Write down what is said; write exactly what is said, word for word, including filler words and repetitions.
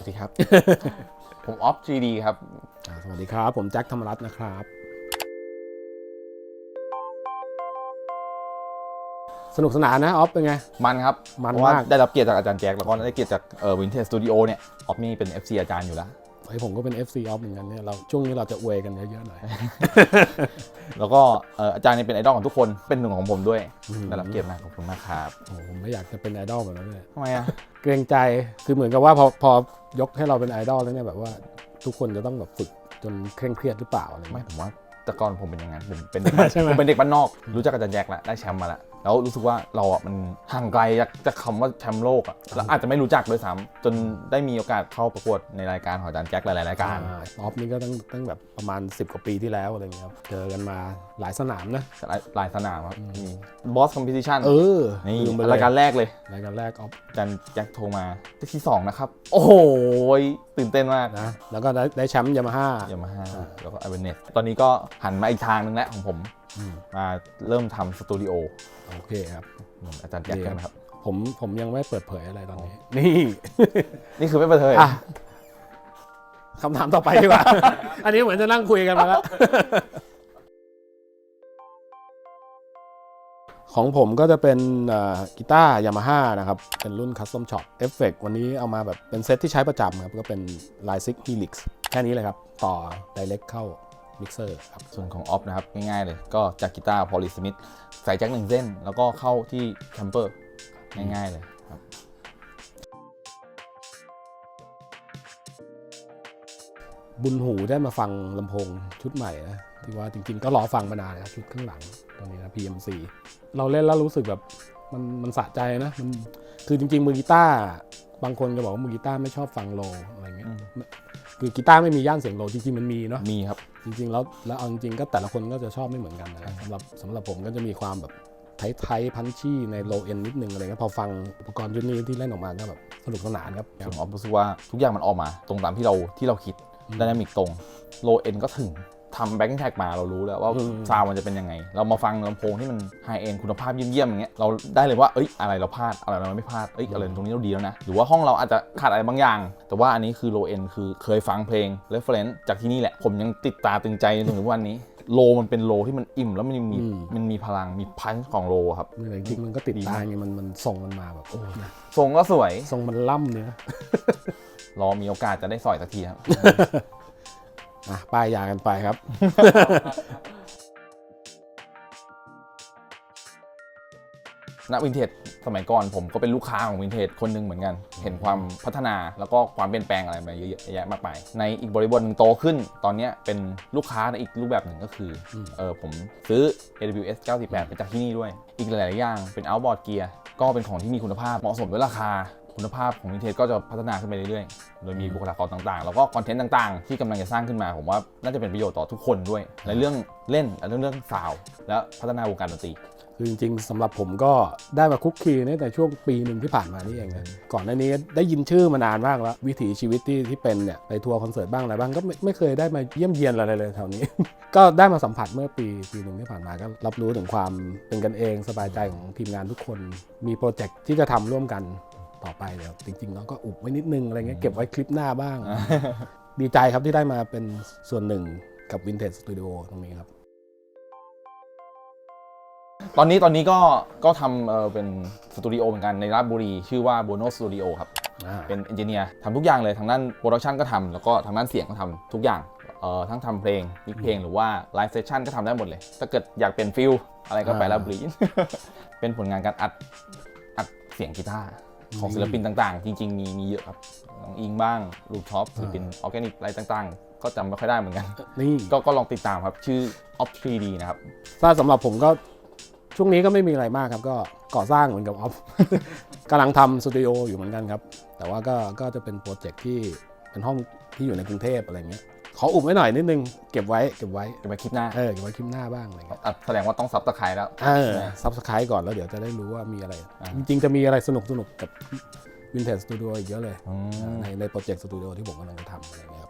วัสดีครับ ผมออฟ จี ดี ครับสวัสดีครับผมแจ็คธรรมรัตน์นะครับสนุกสนานนะออฟเป็นไงมันครับมันมากมากได้รับเกียรติจากอาจารย์แจ็คแล้วก็ได้เกียรติจากเอ่อวินเทจสตูดิโอเนี่ยออฟนี่เป็น เอฟ ซี อาจารย์อยู่แล้วไอผมก็เป็น เอฟ ซี ออฟเหมือนกันเนี่ยเราช่วงนี้เราจะอวยกันเยอะๆหน่อยแล้วก็เอ่ออาจารย์นี่เป็นไอดอลของทุกคนเป็นหนึ่งของผมด้วยได้รับเกียรติมากขอบคุณมากครับโอ้ผมไม่อยากจะเป็นไอดอลแบบนั้นเลยทำไมอ่ะเกรงใจคือเหมือนกับว่าพอพอยกให้เราเป็นไอดอลแล้วเนี่ยแบบว่าทุกคนจะต้องแบบฝึกจนเคร่งเครียดหรือเปล่าอะไรไม่เงี้ยผมว่าแต่ก่อนผมเป็นอย่างนั้นเป็นเป็นเด็กบ้านใช่ไหมผมเป็นเด็กบ้านนอกรู้จักอาจารย์แจ็คแล้วได้แชมป์มาแล้วแล้วรู้สึกว่าเราอ่ะมันห่างไกลจากจากคำว่าแชมป์โลกอ่ะแล้วอาจจะไม่รู้จักด้วยซ้ำจนได้มีโอกาสเข้าประกวดในรายการของอาจารย์แจ็คหลายๆรายการออฟนี่ก็ตั้งตั้งแบบประมาณสิบกว่าปีที่แล้วอะไรเงี้ยครับเจอกันมาหลายสนามนะหลายหลายสนามครับมีบอสคอมเพติชันเออนี่ลืมไปเลยรายการแรกเลยรายการแรกออฟอาจารย์แจ็คโทรมาที่สองนะครับโอ้โหตื่นเต้นมากนะแล้วก็ได้ได้แชมป์ยามาฮ่ายามาฮ่าแล้วก็ไอเวเนสตอนนี้ก็หันมาอีกทางนึงแล้วของผมมาเริ่มทำสตูดิโอโอเคครับอาจารย์แจ็คกันครับผมผมยังไม่เปิดเผยอะไรตอนนี้นี่นี่คือไม่เปิดเผยคำถามต่อไปดีกว่า อันนี้เหมือนจะนั่งคุยกันมาแล้ว ของผมก็จะเป็นกีตาร์ยามาฮ่านะครับเป็นรุ่นคัสตอมช็อปเอฟเฟกต์วันนี้เอามาแบบเป็นเซตที่ใช้ประจำครับก็เป็น ไลน์ซิก Helix แค่นี้เลยครับต่อ Direct เข้ามิกเซอร์ครับส่วนของออฟนะครับง่ายๆเลยก็จากกีตาร์พอลิสมิธใส่แจ็คหนึ่งเส้นแล้วก็เข้าที่แคมเปอร์ง่ายๆเลยครับบุญหูได้มาฟังลำโพงชุดใหม่นะที่ว่าจริงๆก็รอฟังมานานนะชุดข้างหลังตัวนี้นะ พี เอ็ม ซี เราเล่นแล้วรู้สึกแบบมันมันสะใจนะมันคือจริงๆมือกีตาร์บางคนก็บอกว่ามือกีตาร์ไม่ชอบฟังโลอะไรเงี้ยคือกีตาร์ไม่มีย่านเสียงโลจริงๆมันมีเนาะมีครับจริงๆแล้วแล้วเอาจริงๆก็แต่ละคนก็จะชอบไม่เหมือนกันนะสำหรับสำหรับผมก็จะมีความแบบไทยๆพันชี่ในโลเอ็นนิดนึงอะไรเงี้ยพอฟังอุปกรณ์ชุดนี้ที่เล่นออกมาก็แบบสนุกสนานครับส่วนออฟรู้สึกว่าทุกอย่างมันออกมาตรงตามที่เราที่เราคิดไดนามิกตรงโลเอ็นก็ถึงทำแบ็คแท็กมาเรารู้แล้วว่าซาวมันจะเป็นยังไงเรามาฟังลำโพงที่มันไฮเอ็นคุณภาพเยี่ยมๆอย่างเงี้ยเราได้เลยว่าเอ้ยอะไรเราพลาดอะไรเราไม่พลาดเอ้ยอะไรตรงนี้เราดีแล้วนะหรือว่าห้องเราอาจจะขาดอะไรบางอย่างแต่ว่าอันนี้คือโลเอ็นคือเคยฟังเพลงเรฟเฟรนซ์จากที่นี่แหละผมยังติดตาตึงใจจนถึงวันนี้โลมันเป็นโลที่มันอิ่มแล้วมันมีมันมีพลังมีพันช์ของโลครับจริงๆมันก็ติดตาไงมันมันส่งมันมาแบบโอ้ทรงก็สวยทรงมันล่ำเนี่ยรอมีโอกาสจะได้สอยสักทีครับอ่ะป้ายยากันไปครับณวินเทจสมัยก่อนผมก็เป็นลูกค้าของวินเทจคนหนึ่งเหมือนกันเห็นความพัฒนาแล้วก็ความเปลี่ยนแปลงอะไรมาเยอะแยะมากมายในอีกบริบทหนึ่งโตขึ้นตอนนี้เป็นลูกค้าในอีกรูปแบบหนึ่งก็คือเออผมซื้อ เอ ดับเบิลยู เอส เก้าสี่แปดไปจากที่นี่ด้วยอีกหลายๆอย่างเป็น outboard gear ก็เป็นของที่มีคุณภาพเหมาะสมด้วยราคาคุณภาพของวินเทจก็จะพัฒนาขึ้นไปเรื่อยๆโดยมีบุคลากรต่างๆแล้วก็คอนเทนต์ต่างๆที่กำลังจะสร้างขึ้นมาผมว่าน่าจะเป็นประโยชน์ต่อทุกคนด้วยในเรื่องเล่นและเรื่องซาวด์และพัฒนาวงการดนตรีคือจริงๆสำหรับผมก็ได้มาคุกคีในแต่ช่วงปีหนึ่งที่ผ่านมานี่เองนะก่อนหน้านี้ได้ยินชื่อมานานมากแล้ววิถีชีวิตที่ที่เป็นเนี่ยไปทัวร์คอนเสิร์ตบ้างอะไรบ้างก็ไม่ไม่เคยได้มาเยี่ยมเยียนอะไรเลยแถวนี้ ก็ได้มาสัมผัสเมื่อปีปีหนึ่งที่ผ่านมาก็รับรู้ถึงความเป็นกันเองสบายใจของทีมงานทุกคนมีโปรเจกต์ที่จะทำร่วมกันต่อไปเดี๋ยวจริงๆเราก็อุบไว้นิดนึงอะไรเงี้ยเก็บไว้คลิปหน้าบ้าง ดีใจครับที่ได้มาเป็นส่วนหนึ่งกับ Vintage Studio ตรงนี้ครับตอนนี้ตอนนี้ก็ก็ทำเออเป็นสตูดิโอเหมือนกันในราชบุรีชื่อว่า Bono Studio ครับเป็นเอนจิเนียร์ทำทุกอย่างเลยทางด้านโปรดักชันก็ทำแล้วก็ทางด้านเสียงก็ทำทุกอย่างเอ่อทั้งทำเพลงมิกเพลงหรือว่าไลฟ์เซสชั่นก็ทำได้หมดเลยถ้าเกิดอยากเปลี่ยนฟิลอะไรก็ไปราชบุรี เป็นผลงานการอัดอัดเสียงกีตาร์ของศิลปินต่างๆจริงๆมีมีเยอะครับน้องอิงบ้างลูกท็อปศิลปินออร์แกนิกอะไรต่างๆก็จำไม่ค่อยได้เหมือนกันนี่ก็ก็ลองติดตามครับชื่อ ออฟ ทรี ดี นะครับถ้าสำหรับผมก็ช่วงนี้ก็ไม่มีอะไรมากครับก็ก่อสร้างเหมือนกับออฟ กำลังทำสตูดิโออยู่เหมือนกันครับแต่ว่าก็ก็จะเป็นโปรเจกต์ที่เป็นห้องที่อยู่ในกรุงเทพอะไรเงี้ยขออุบไว้หน่อยนิดนึงเก็บไว้เก็บไว้เก็บไว้คลิปหน้าเออเก็บไว้คลิปหน้าบ้างอะไรเงี้ยแสดงว่าต้องซับสไครต์แล้วเออซับสไครต์ก่อนแล้วเดี๋ยวจะได้รู้ว่ามีอะไรจริงๆจะมีอะไรสนุกสนุกกับ Vintage Studio อีกเยอะเลยในในโปรเจกต์สตูดิโอที่ผมกำลังจะทำอะไรเงี้ย